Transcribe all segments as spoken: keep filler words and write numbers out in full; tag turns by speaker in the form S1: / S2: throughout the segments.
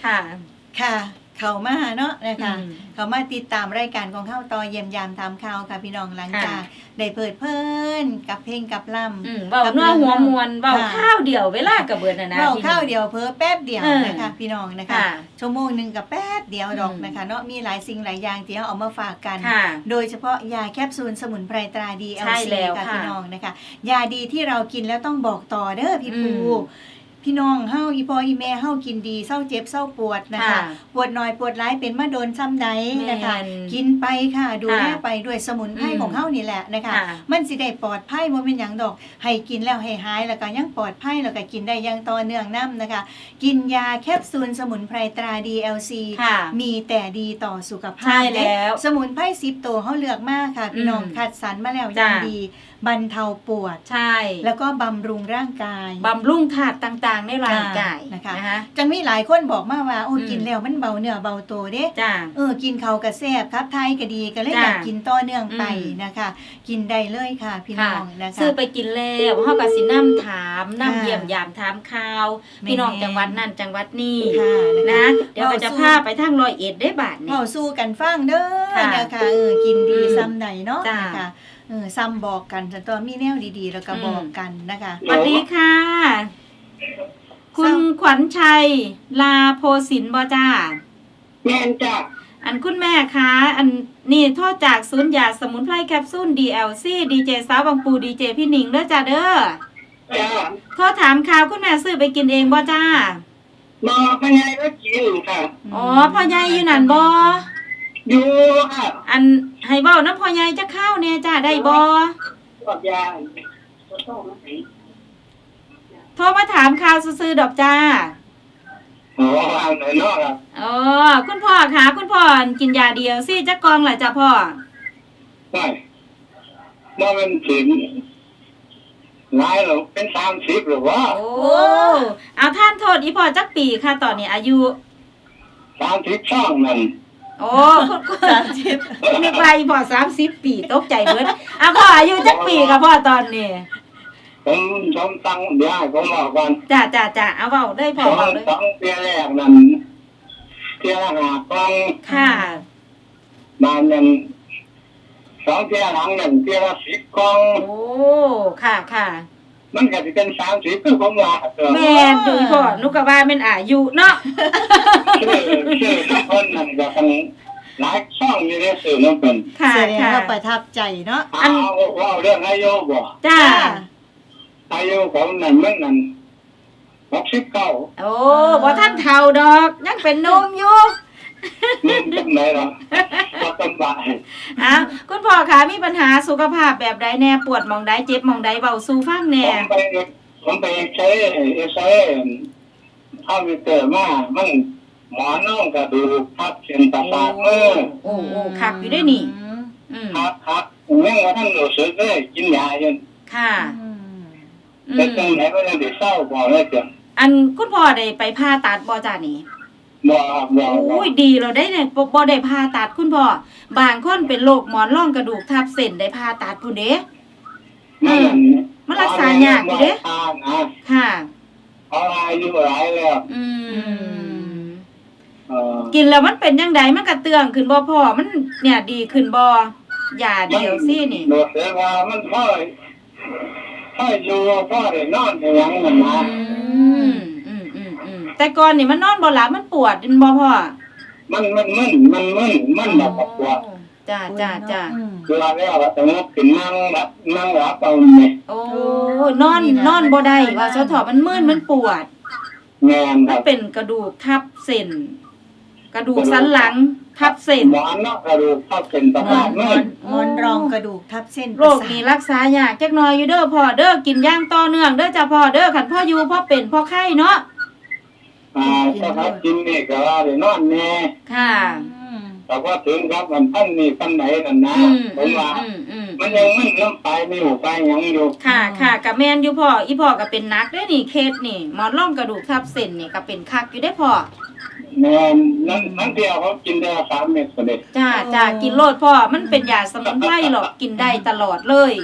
S1: ค่ะ
S2: ค่ะเข้ามาเนาะนะคะเข้ามาติดตามรายการของเข้าต่อเยี่ยมยามตามข่าวค่ะพี่น้องหลังจากได้เปิดเพิ่นกับเพลงกับล่ำ
S1: เบาเนื้อหัวมวลเบาข้าวเดียวเวลากับเบิดนะนะ
S2: เบาข้าวเดียวเพิ่แป๊บเดียวนะคะพี่น้องนะคะชั่วโมงหนึ่งกับแป๊บเดียวดอกนะคะเนาะมีหลายสิ่งหลายอย่างที่เอามาฝากกันโดยเฉพาะยาแคปซูลสมุนไพรตราดี แอล ซี ค่ะพี่น้องนะคะยาดีที่เรากินแล้วต้องบอกต่อเด้อพี่ปูพี่น้องเฮาอีพออีแม่เฮากินดีเศร้าเจ็บเศร้าปวดนะคะปวดหน่อยปวดร้ายเป็นมาโดนซ้ำใดนะคะกินไปค่ะดูแลไปด้วยสมุนไพรของเฮานี่แหละนะคะมันสิได้ปลอดภัยบ่เป็นหยังดอกให้กินแล้วให้หายแล้วก็ยังปลอดภัยแล้วก็กินได้อย่างต่อเนื่องนํนะคะกินยาแคปซูลสมุนไพรตรา ดี แอล ซี มีแต่ดีต่อสุขภาพ
S1: ใช่แล้ว
S2: สมุนไพรสิบตัวเฮาเลือกมากค่ะพี่น้องคัดสรรมาแล้วอย่างดีบรรเทาปวด
S1: ใช่
S2: แล้วก็บำรุงร่างกาย
S1: บำรุงธาตุต่างๆในร่างกาย
S2: นะคะจังมีหลายคนบอกมาว่าโอ้กินแล้วมันเบาเนื้อเบาตัวเด้เออกินเขากระแซบครับไทยก็ดีก็เลยอยากกินต่อเนื่องไปนะคะกินได้เลยค่ะพี่น้องนะคะ
S1: ซื้อไปกินแล้วเฮาก็สินำถามนำเยี่ยมยามถามข่าวพี่น้องจังหวัดนั้นจังหวัดนี้นะเดี๋ยวก็จะพาไปทางร้อยเอ็ดได้บาดนี้
S2: เฮาสู้กันฟังเด้อนะคะเออกินดีซ้ำใดเนาะนะคะเออซ้ำบอกกันแต่ตัวมีแนวดีๆแล้วก็บอกกันนะคะ
S1: สวัสดีค่ะคุณขวัญชัยลาโพสินบ่จ้า
S3: แม่นจ้ะ
S1: อันคุณแม่คะอันนี่โทษจากศูนย์ยาสมุนไพรแคปซูล ดี แอล ซี ดีเจสาวบางปูดีเจพี่หนิงเด้อจ้าเด้อ
S3: จ้า
S1: โทษถามข่าวคุณแม่ซื้อไปกินเองบ่จ้า
S3: บ่พ่อใหญ่ก็กินค่ะ
S1: อ๋อพ่อใหญ่อยู่นั่นบ่
S3: อยู่ค่ะ
S1: อันให้เว้านำพ่อใหญ่จะข้าวแน่จ้าได้บ่
S3: บอกยา
S1: โทรมาถามข่าวซื่อๆดอกจ้า
S3: อ๋อเอาหน่อยเนาะครับ
S1: อ๋อคุณพ่อคะคุณพ่อกินยาเดียวสิจักกองล่ะจ้ะพ่อ
S3: ไม่บ่มันถึงหลายหรอเป็นสามสิบหรือว่า
S1: โอ้เอาท่านโทษอีพ่อจักปีค่ะตอนนี้อายุ
S3: สามสิบสองนั่น
S1: โอ้สามสิบนึกว่าอีพ่อสามสิบปีตกใจเบิดอ่ะพ่ออายุจักปีค่ะพ่อตอนนี้
S3: ผมผมตั้งเดี๋ยวให้ผมบอกก่อน
S1: จ้าจ้าจ้าเอาเว้าได้พ่อเว้าเลย
S3: สองเที่ยแรกนั่นเที่ยละห้ากอง
S1: ค่ะ
S3: บานนั้นสองเที่ยหลังนั่นเที่ยละสิบกอง
S1: โอ้ค่ะค่ะ
S3: มันก็สิเป็นสามสิบคือผมว่า
S1: แม่นดูพ่อนุก็ว่าแม่นอายุเนาะ
S3: ชื่อชื่อทุกคนนั่นก็ทั้งหลายช่องอยู่ในสื่อนั่นเป็น
S2: ค่ะแสดงว่าประทับใจเนาะ
S3: อันว่าเรื่องอายุบ่
S1: จ้า
S3: อายุของนั่นมันนั่นหกสิบเก้า
S1: โอ้บ่ท่านเฒ่าดอกยังเป็นหนุ่มอยู่
S3: นุ่มจังไหนล่ะบ่สบาย
S1: อ้าวคุณพ่อคะมีปัญหาสุขภาพแบบใดแน่ปวดหม่องใดเจ็บหม่องใดเว้าสู่ฟังแน่
S3: ผมไปผมไปใช้เอสเอคอมพิวเตอร์มามันหมอน้องกระดูกทับเส้นประสาทมือ
S1: โอ้โอ้คักอยู่ได้นี่
S3: อืมครับครับยังว่าท่านรู้สึกเลยกินยาอยู่
S1: ค่ะ
S3: แต่จังไหนก็ยังได้เศร้าบ่เลยจ้ะ
S1: อันคุณพ่อได้ไปผ่าตัดบ่จ้านี่
S3: บ่บ่
S1: โอ้ยดีเราได้เนี่ยบ่ได้ผ่าตัดคุณพ่อบางคนเป็นโรคหมอนรองกระดูกทับเส้นได้ผ่าตัดพุ่นเด้
S3: อืม
S1: มันรักษายากอยู่เด้ค่ะ
S3: เอาอายุหลายแล้ว
S1: อืมเอ่อกินแล้วมันเป็นจังไดมันกระเตื้องขึ้นบ่พ่อมันเนี่ยดีขึ้นบ่ยาเดียวซี่นี่
S3: รู้สึกว่ามันพอพออยู่พอได้นอนได้หยังนั่นนะ
S1: อืมอืมอืมอืมแต่ก่อนนี่มันนอนบ่หลับมันปวดบ่พ่อ
S3: มันมันมึนมันมึนมันแบบปวด
S1: จ้าจ้าจ้า
S3: เวลาแล้วก็ต้องขึ้นนั่งแบบนั่งหลับเอานี่
S1: โอ้นอนนอนบ่ได้ว่าซะเถาะมันมึนมันปวด
S3: แม่น
S1: มันเป็นกระดูกทับเส้นกระดูกสันหลังทับเส้น
S3: หมอนเนาะกระดูกทับเส้นประสาท
S2: มือหมอนรองกระดูกทับเส้น
S1: โรคนี้รักษายากจักหน่อยอยู่เด้อพ่อเด้อกินอย่างต่อเนื่องเด้อจ้ะพ่อเด้อคันพ่ออยู่พ่อเป็นพ่อไข้เนาะ
S3: อ่าถ้าพักกินนี่ก็ได้นอนแน่
S1: ค่ะ
S3: แต่ว่าถึงครับมันท่านนี่ท่านไหนนั่นนะผมว่ามันยังมึนน้ำไปไม่อยู่ไปยังอยู่
S1: ค่ะค่ะกับแม่นอยู่พ่ออีพ่อก็เป็นนักได้นี่เคสนี่หมอนรองกระดูกทับเส้นนี่ก็เป็นคักอยู่ได้พ่อ
S3: แม่นนั่นนั่นเดียวเขากินได้สามเม็ดก็ได้
S1: จ้าจ้ากินโลดพ่อมันเป็นยาสมุนไพรหรอกกินได้ตลอดเลย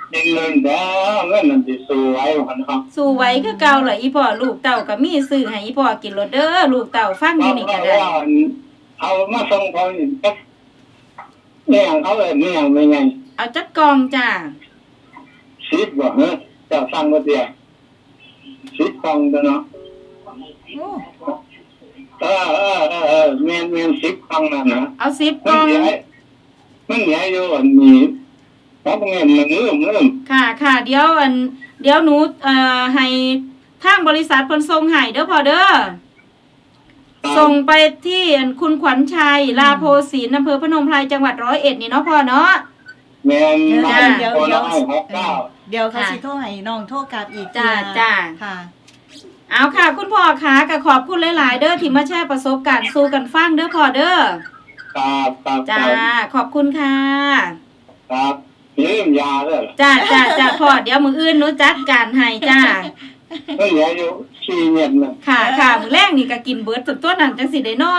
S3: ดินเงินแล้วเงินมันสิสวยกว่าเนาะ
S1: สู้ไว้คือเก่าล่ะอีพ่อลูกเต้าก็มีซื้อให้อีพ่อกินโลดเด้อลูกเต้าฟังอยู่นี่ก็ได้
S3: เอามาส่งเขาอีกเนี่ยเขาเลยเนี่ยไม่ไง
S1: เอาจักกองจ้า
S3: สิบบ่ฮะจะฟังก็เดียวสิบกองตัวเนาะ
S2: โอ้
S3: เออเออเออเออเมียนเมียนสิบกองนั่นนะ
S1: เอาสิบก
S3: มัน
S1: อง
S3: ใหญ่มันใหญ่อยู่อันนี้เพราะเงินมันเริ่มเริ่ม
S1: ค่ะค่ะเดี๋ยวอันเดี๋ยวหนูเอ่อให้ทางบริษัทเพิ่นส่งให้เด้อพ่อเด้อส่งไปที่อันคุณขวัญชัยลาโพศีนอำเภอพนมไพรจังหวัดร้อยเอ็ดนี่เนาะพ่อเนาะ
S3: เมียน
S2: เดี๋ยว
S3: บ้าน
S2: เดี๋ยว
S3: คน
S2: เดี๋ยว
S3: ละหกเก้า
S2: เดี๋ยวเขาสิโทรให้น้องโทรกลับอีก
S1: จ้า
S2: ทีนะ
S1: จ้า
S2: ค่ะ
S1: เอาค่ะ คุณพ่อคะก็ขอบคุณหลายๆเด้อที่มาแชร์ประสบการณ์สู่กันฟังเด้อพ่อเด้อ
S3: ครับครับ
S1: จ้าขอบคุณค่ะ
S3: ครับลืมยาเลย
S1: จ้าจ้าจ้าพ่อเดี๋ยวมื้ออื่นหนูจัดการให้จ้า
S3: มันเหลืออยู่สี่เม็ดน่ะ
S1: ค่ะค่ะมื้อแรกนี่ก็กินเบิดจนตัวนั้นจังสิได้นอน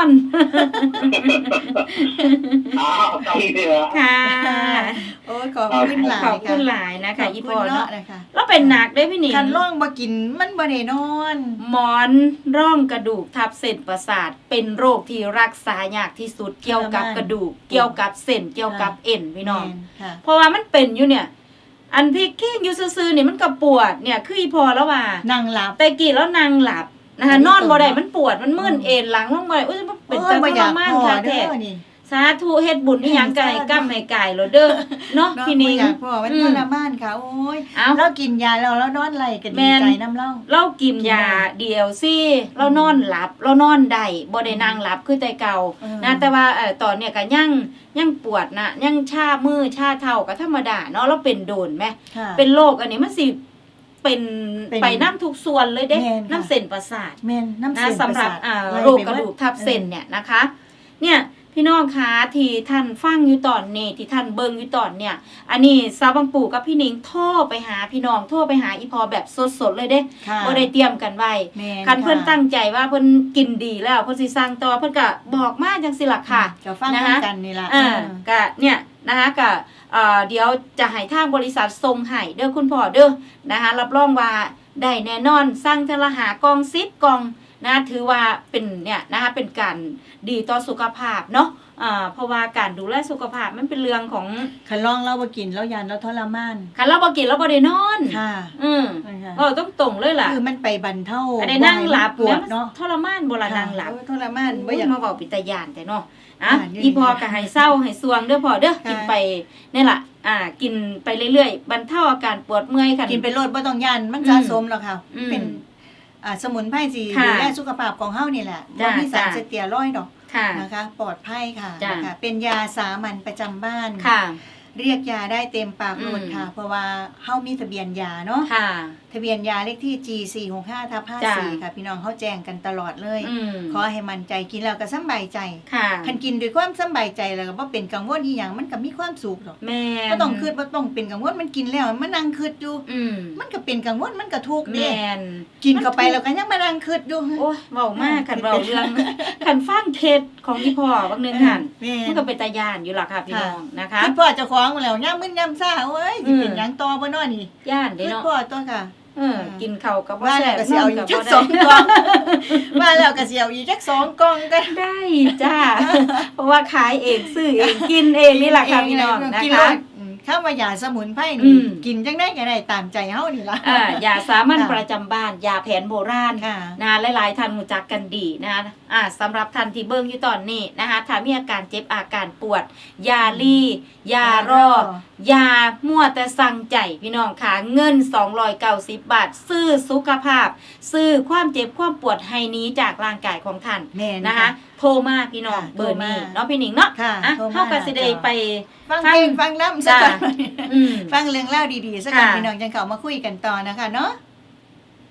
S3: อ้าวตอนนี้ละ
S1: ค่ะ
S2: โอ้ยขอบคุณหลาย
S1: ขอบคุณห
S2: ค่ะ
S1: ลายนะคะ
S2: ขอบ
S1: อี
S2: คุ
S1: พ่อ
S2: ณ
S1: เนาะ
S2: เนาะนะคะ
S1: แล้วเป็นหนักได้อพี่หนิง
S2: คันร่องบ่กินมันบ่ได้นอน
S1: หมอนร่องกระดูกทับเส้นประสาทเป็นโรคที่รักษายากที่สุดเกี่ยวกับกระดูก เกี่ยวกับเส้นเกี่ยวกับเอ็นพี่น้อง
S2: แม่ค่ะ
S1: เพราะว่ามันเป็นอยู่เนี่ย อันที่ขี้อยู่ซื่อๆนี่มันก็ปวดเนี่ยคืออีพอแล้วว่า
S2: นั่งหลับ
S1: แต่กี่แล้วนางหลับนะคะ
S2: อันนี้
S1: นอนบ่ได้
S2: เสริม
S1: มันปวดมันมึนเอ็นหลังลงบ่ได้อุ้ยมันเป็น
S2: โอ้
S1: จั
S2: ย
S1: ง
S2: บ่
S1: ท
S2: อ
S1: ร
S2: ยาก
S1: มาน
S2: พอ
S1: ค่ะ
S2: เด้
S1: แท้
S2: อนี่
S1: สาธุเฮ็ดบุญอีหยังก็ให้กำให้กายโลดเด้อเนาะ
S2: เนาะ
S1: พี่
S2: บ่
S1: นิง
S2: อยากพอมัน
S1: อื
S2: ท
S1: ม
S2: รมานค่ะ โอ้ย
S1: เอ้า
S2: เรากินยาแล้วเรานอนไหลกัน
S1: แม่
S2: ดี
S1: น
S2: ใจน้ำเล่า
S1: เรากินยาเดียวสิเรานอนหลับ เรานอนได้บ่ได้นั่งหลับคือแต่เก่า
S2: เออ
S1: นะแต่ว่าเอ่อตอนเนี้ยก็ยังยังปวดนะยังชามือชาเท้าก็ธรรมดาเนาะเราเป็นโดนไหม
S2: ค่ะ
S1: เป็นโรคอันนี้มันสิเป็น
S2: เป็น
S1: ไปน้ำทุกส่วนเลยเด้
S2: แม่นค่ะ
S1: น้ำเส้นประสาท
S2: แม่นน้ำ
S1: นะ
S2: เส้น
S1: สำหรับ
S2: ปะสาท
S1: อ่า
S2: ไล่
S1: โรค
S2: ไป
S1: กระ
S2: หม
S1: ดูกทับเส้นเนี่ยนะคะ เนี่ยพี่น้องคะที่ท่านฟังอยู่ตอนนี้ที่ท่านเบิ่งอยู่ตอนเนี่ย อันนี้สาวบางปู่กับพี่หนิงโทรไปหาพี่น้องโทรไปหาอีพอแบบสดๆเลยเด้
S2: ค่ะ
S1: บ่ได้เตรียมกันไว้
S2: แม่
S1: คันเพิ่น
S2: ค่ะ
S1: ตั้งใจว่าเพิ่นกินดีแล้วเพิ่นสิสั่งต่อเพิ่นก็บอกมาจังซี่ล่ะค่ะ
S2: จะฟัง
S1: นะคะ
S2: กันนี่ล่ะ
S1: อ่า
S2: เออ
S1: ก็เนี่ยนะคะก็เอ่อเดี๋ยวจะให้ทางบริษัทส่งให้เด้อคุณพ่อเด้อนะคะรับรองว่าได้แน่นอนสั่งเทอละหากล่องสิบกล่องนะถือว่าเป็นเนี่ยนะคะเป็นการดีต่อสุขภาพเนาะอ่าเพราะว่าการดูแลสุขภาพมันเป็นเรื่องของ
S2: คันลองเราบ่กินเรายานเราทรมาน
S1: คันเราบ่กินเราบ่ได้นอน
S2: ค่ะ
S1: อืม
S2: นะคะ
S1: เออต้องตรงเลยล่ะ
S2: คือมันไปบรรเทา
S1: อันได้นั่งหลับ
S2: ปวดเนาะ
S1: ทรมานบ่ล่ะนั่งหลับ
S2: โอ้ยทรมานบ่
S1: บ่
S2: อ
S1: อย
S2: าก
S1: มาเว้าปิตายานแต่เนาะอ่ะ
S2: อ่านี่
S1: อีพอก็ให้เศร้าให้สวงเด้อพอเด้อ
S2: ค่ะ
S1: กินไปนี่ล่ะอ่า กินไปเรื่อยๆบรรเทาอาการปวดเมื่อยค่ะ
S2: กินไปโลดบ่ต้องยานมัน
S1: อืม
S2: สะสมแล้วค่ะ
S1: อืม
S2: เป็นอ่าสมุนไพรสิ
S1: ค่ะ
S2: ดูแลสุขภาพของเฮานี่แหละ
S1: จ้ะ
S2: บ่มีสาร
S1: จ้ะ
S2: สเตียรอยด์ดอก
S1: ค่ะ
S2: นะคะ ปลอดภัยค่ะ
S1: จ้ะ
S2: นะคะเป็นยาสามัญประจำบ้าน
S1: ค่ะ
S2: เรียกยาได้เต็มปากโลด
S1: อืม
S2: ค่ะ เพราะว่าเฮามีทะเบียนยาเนาะ
S1: ค่ะ
S2: ทะเบียนยาเลขที่ จี สี่หกห้า ทับ ห้าสิบสี่
S1: จ้ะ
S2: ค่ะ พี่น้องเฮาแจ้งกันตลอดเลย
S1: อืม
S2: ขอให้มั่นใจกินแล้วก็สำบายใจ
S1: ค่ะ
S2: คันกินด้วยความสำบายใจแล้วก็บ่เป็นกังวลอีหยังมันก็มีความสุขดอก
S1: แม่
S2: บ่ต้องคิดบ่ต้องเป็นกังวลมันกินแล้วมันนั่งคิดอยู่
S1: อืม
S2: มันก็เป็นกังวลมันก็ทุกข์เด้
S1: แม่น
S2: กินเข้าไปแล้วก็ยังมานั่งคิดอยู่
S1: โอ้ยเว้ามากคันเว้าเรื่องคันฟังเทศของอีพ่อบางนึงหั่น
S2: แม่
S1: มันก็เป็นตายานอยู่ล่ะค่ะพี่น้องนะคะ
S2: คิดพ่อเจ้าของแล้วย่ามมึนย่ามซ่าโอ้ยสิเป็น
S1: อืม
S2: หยังต่อบ่เนาะนี่
S1: ย่านเด้
S2: คิด
S1: เนาะ
S2: พ่อตัวค่ะ
S1: เออกินข้าวกับบ่
S2: ว่า
S1: แซ่
S2: แล้ว
S1: บ
S2: ก็สิเอาอีกจักสองก
S1: น
S2: ล่องว่าแล้วก็สิเอาอีกจักสองกล่องก็
S1: ได้จ้า เพราะว่าขายเองซื้อเองกินเองนี่แหละค่ะพี่น้องนะ
S2: กิ
S1: คะ
S2: รสอืมข้าวมายาสมุนไพร
S1: อื
S2: นี่
S1: ม
S2: กินจังได้ก็ได้ตามใจเฮานี่ล่ะ
S1: อ่ายาสามัญ
S2: ค่ะ
S1: ประจำบ้านยาแผนโบราณ
S2: ค่ะ
S1: นะหลายๆท่านรู้จักกันดีนะคะอ่าสำหรับท่านที่เบิ่งอยู่ตอนนี้นะคะถ้ามีอาการเจ็บอาการปวด ยาลียารอยามั่วแต่สั่งใจพี่น้องค่ะเงินสองร้อยเก้าสิบบาท ซื้อสุขภาพ ซื้อความเจ็บความปวดให้หนี้จากร่างกายของท่าน
S2: แม่น
S1: นะคะ โทรมาพี่น้อง
S2: ค่ะ
S1: เบอร์นี้
S2: โทรมา
S1: เนาะพี่หนิงเนาะ
S2: ค่ะ
S1: อ่ะ
S2: โทรมา
S1: เฮาก็สิได้ไป
S2: ฟังเพลงฟังล่ำสัก
S1: จ้า
S2: ก่อน
S1: อืม
S2: ฟังเรื่องเล่าวดีๆสักก่อน
S1: ค่ะ
S2: พี่น้องจังเข้ามาคุยกันต่อนะคะเนาะ